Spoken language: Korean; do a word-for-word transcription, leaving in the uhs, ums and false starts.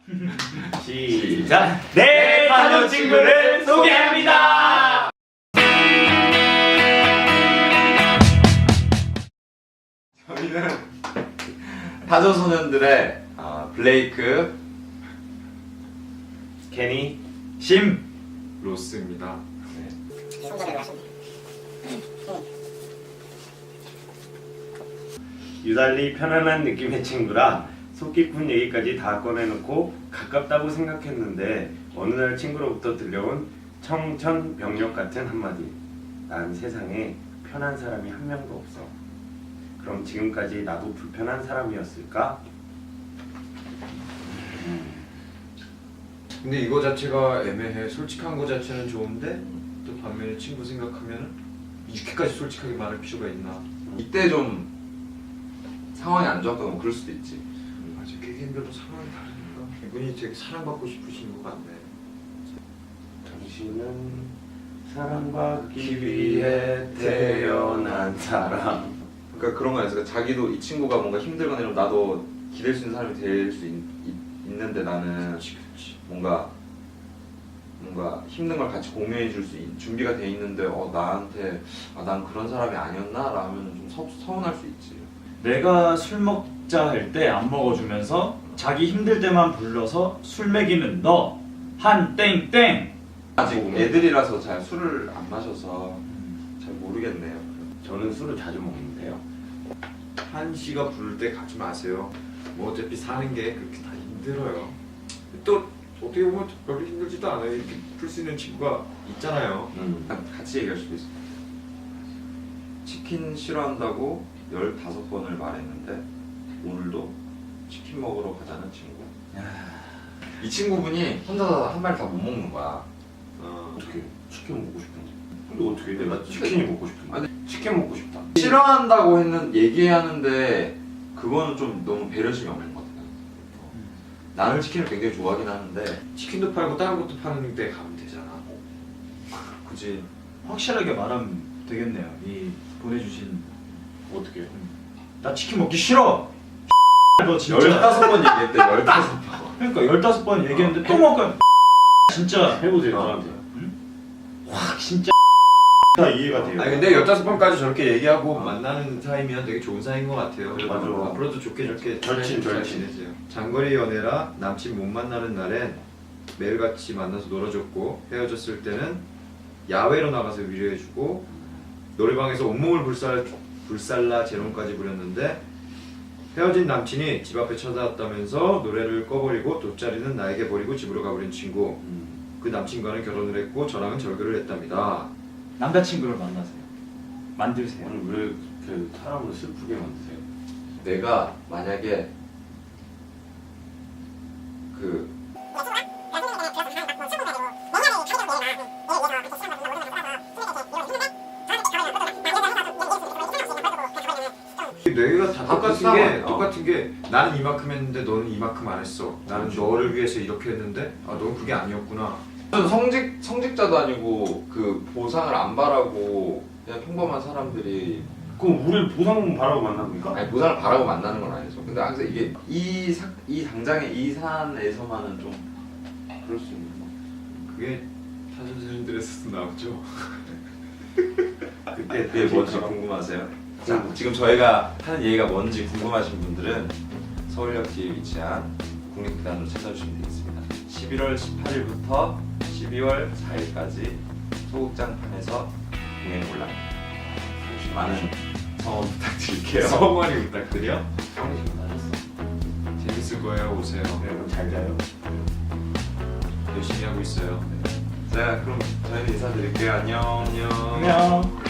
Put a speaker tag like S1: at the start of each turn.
S1: 시작! 내 파도 친구를 소개합니다!
S2: 저희는 타조 소년들의 어, 블레이크,
S1: 케니, 심!
S3: 로스입니다.
S1: 유달리 편안한 느낌의 친구라 속 깊은 얘기까지 다 꺼내놓고 가깝다고 생각했는데 어느 날 친구로부터 들려온 청천벽력 같은 한마디. 난 세상에 편한 사람이 한 명도 없어. 그럼 지금까지 나도 불편한 사람이었을까?
S3: 근데 이거 자체가 애매해. 솔직한 거 자체는 좋은데 또 반면에 친구 생각하면 이렇게까지 솔직하게 말할 필요가 있나?
S2: 이때 좀 상황이 안 좋았거나 뭐 그럴 수도 있지.
S3: 맞아, 개개인별로 상황이 다르니까. 이분이 되게 사랑받고 싶으신 것 같네.
S1: 당신은 사랑받기 위해 태어난 사람.
S2: 그러니까 그런 거 아니야. 자기도 이 친구가 뭔가 힘들거나 이러면 나도 기댈 수 있는 사람이 될 수 있는데 나는
S3: 그렇지, 그렇지.
S2: 뭔가 뭔가 힘든 걸 같이 공유해 줄 수 준비가 돼 있는데 어 나한테 아, 난 그런 사람이 아니었나? 라면 좀 서, 서운할 수 있지.
S4: 내가 술 먹자 할 때 안 먹어주면서 자기 힘들 때만 불러서 술 먹이는 너 한 땡땡.
S2: 아직 애들이라서 잘 술을 안 마셔서 잘 모르겠네요.
S1: 저는 술을 자주 먹는데요.
S3: 한 씨가 부를 때 가지 마세요. 뭐 어차피 사는 게 그렇게 다 힘들어요. 또 어떻게 보면 별로 힘들지도 않아요. 이렇게 풀 수 있는 친구가 있잖아요.
S1: 음.
S2: 같이 얘기할 수도 있어. 치킨 싫어한다고 열다섯 번을 말했는데 오늘도 치킨 먹으러 가자는 친구. 이 친구분이 혼자서 한 마리 다 못 먹는 거야.
S3: 어.
S1: 어떻게 치킨 먹고 싶은데? 근데 어떻게 내가 치킨이 먹고 싶은데? 치킨 먹고 싶다.
S2: 싫어한다고 했는 얘기하는데 그거는 좀 너무 배려심이 없는 것 같아요. 나는 치킨을 굉장히 좋아하긴 하는데
S3: 치킨도 팔고 다른 것도 파는 데 가면 되잖아. 굳이
S4: 확실하게 말하면 되겠네요. 이 보내주신
S1: 어떻게?
S4: 나 치킨 먹기 싫어. 너 진짜.
S2: 열다섯 번 얘기했대. 열다섯 번.
S4: 그러니까 열다섯 번 얘기했는데 또 먹을 진짜
S1: 해보세요
S2: 어.
S1: 저한테.
S4: 확 진짜
S1: 다 이해가 돼요.
S3: 아니 근데 열다섯 번까지 저렇게 얘기하고 만나는 사이면 되게 좋은 사이인 것 같아요.
S1: 맞아.
S3: 앞으로도 좋게 좋게
S1: 절친,
S3: 잘
S1: 절친.
S3: 지내세요. 장거리 연애라 남친 못 만나는 날엔 매일같이 만나서 놀아줬고 헤어졌을 때는 야외로 나가서 위로해주고 노래방에서 온몸을 불살, 불살라 재롱까지 부렸는데 헤어진 남친이 집 앞에 찾아왔다면서 노래를 꺼버리고 돗자리는 나에게 버리고 집으로 가버린 친구.
S1: 음.
S3: 그 남친과는 결혼을 했고 저랑은 절교를 했답니다.
S4: 남자친구를 만나세요. 만들세요.
S1: 아니 왜 이렇게 사람을 슬프게 만드세요?
S2: 내가 만약에 그
S3: 뇌가 다
S2: 아,
S3: 똑같은
S2: 비슷하네.
S3: 게
S2: 어.
S3: 똑같은 게 나는 이만큼 했는데 너는 이만큼 안 했어. 나는 너를 위해서 이렇게 했는데 아 넌 그게 아니었구나.
S2: 무슨 성직 성직자도 아니고 그 보상을 안 바라고 그냥 평범한 사람들이
S1: 그럼 우리 보상 바라고 만납니까?
S2: 아니 보상을 바라고 만나는 건 아니죠. 근데 항상 이게 이, 사, 이 당장의 이 사안에서만은 좀 그럴 수 있는 거.
S3: 그게 타선생님들에서도 나오죠.
S1: 그때
S2: 그게 뭔지 궁금하세요? 자, 지금 저희가 하는 얘기가 뭔지 궁금하신 분들은 서울역 뒤에 위치한 국립극단으로 찾아주시면 되겠습니다. 십일월 십팔일부터 십이월 사일까지 소극장판에서 공연이 올라갑니다. 많은 성원 부탁드릴게요.
S3: 성원이 부탁드려.
S1: 형이 지금 나셨어.
S3: 재밌을 거예요. 오세요.
S1: 네, 잘 자요.
S3: 열심히 하고 있어요.
S2: 자, 그럼 저희는 인사드릴게요. 안녕.
S4: 안녕.